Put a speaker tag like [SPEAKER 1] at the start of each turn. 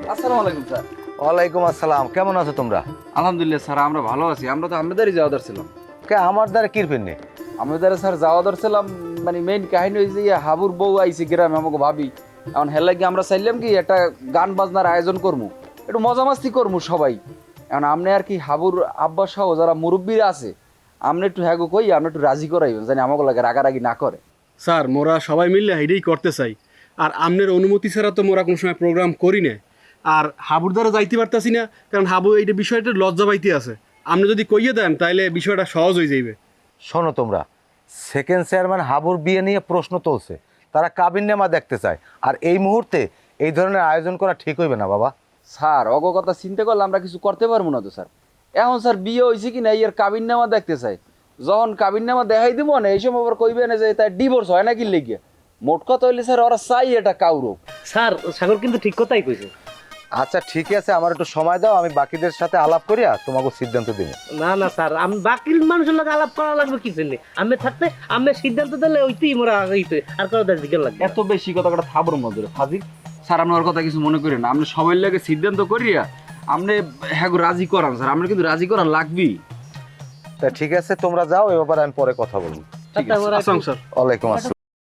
[SPEAKER 1] আসসালামু আলাইকুম স্যার।
[SPEAKER 2] ওয়ালাইকুম আসসালাম। কেমন আছো তোমরা?
[SPEAKER 1] আলহামদুলিল্লাহ স্যার, আমরা ভালো আছি। আমরা তো আমাদেরই যাওয়া ধরছিলাম।
[SPEAKER 2] আমার দ্বারা কিরপেন নেই।
[SPEAKER 1] আমাদের স্যার যাওয়া ধরছিলাম, মানে মেইন কাহিনী হয়েছে হাবুর বউ আইছে গ্রামে, আমাকে ভাবি। এখন হেলে কি আমরা চাইলাম কি একটা গান বাজনার আয়োজন করবো, একটু মজা মাস্তি করবো সবাই। এখন আপনি আর কি হাবুর আব্বা সহ যারা মুরব্বীরা আছে, আপনি একটু হ্যাগো কই, আপনি একটু রাজি করাইবেন জানি আমাকে লাগে রাগারাগি না করে।
[SPEAKER 3] স্যার মোরা সবাই মিললে এটাই করতে চাই। আর আমনের অনুমতি ছাড়া তো মোরা কোনো সময় প্রোগ্রাম করি না। আর হাবুর দ্বারা যাইতে পারতাছি না, কারণ হাবু এইটা বিষয়টা লজ্জা পাইতে আছে। আপনি যদি কইয়ে দেন তাহলে বিষয়টা সহজ হয়ে যাইবে।
[SPEAKER 2] শোনো তোমরা, সেকেন্ড চেয়ারম্যান হাবুর বিয়ে নিয়ে প্রশ্ন তুলছে, তারা কাবিননামা দেখতে চায়। আর এই মুহূর্তে এই ধরনের আয়োজন করা ঠিক হইবে না বাবা।
[SPEAKER 1] স্যার অগ কথা চিন্তা করলে আমরা কিছু করতে পারবো না তো স্যার। এখন স্যার বিয়ে হয়েছে কি না এর কাবিন নামা দেখতে চাই, যখন কাবিন নামা দেখাই দিব না এই সময় আবার কইবে না যে তার ডিভোর্স হয় নাকি লেগে। মোট কথা হইলে স্যার ওরা চাই এটা কাউরব।
[SPEAKER 4] স্যার সাগর কিন্তু ঠিক কথাই কইছে।
[SPEAKER 2] আচ্ছা ঠিক আছে, আমার একটু সময় দাও, আমি বাকিদের সাথে আলাপ করিয়া তোমাকে সিদ্ধান্ত দিব।
[SPEAKER 4] না না স্যার, আমি বাকি মানুষের লোক আলাপ করা লাগবে কি জন্য? আমি থাকতে আমি সিদ্ধান্ত দিলে ওইতেই মোরা হইতে আর কোনো দিকে লাগবে।
[SPEAKER 1] এত বেশি কথা কটা থাবর মধ্যে ফাজিল। স্যার আপনি ওর কথা কিছু মনে করেন না, আপনি সবাই লাগে সিদ্ধান্ত করিয়া আপনি হ্যাঁ রাজি করান স্যার, আমরা কিন্তু রাজি করান লাগবেই।
[SPEAKER 2] তা ঠিক আছে, তোমরা যাও, এ ব্যাপারে আমি পরে কথা বলবো।
[SPEAKER 1] ঠিক আছে।
[SPEAKER 3] আসসালাম স্যার।
[SPEAKER 2] ওয়ালাইকুম আসসালাম।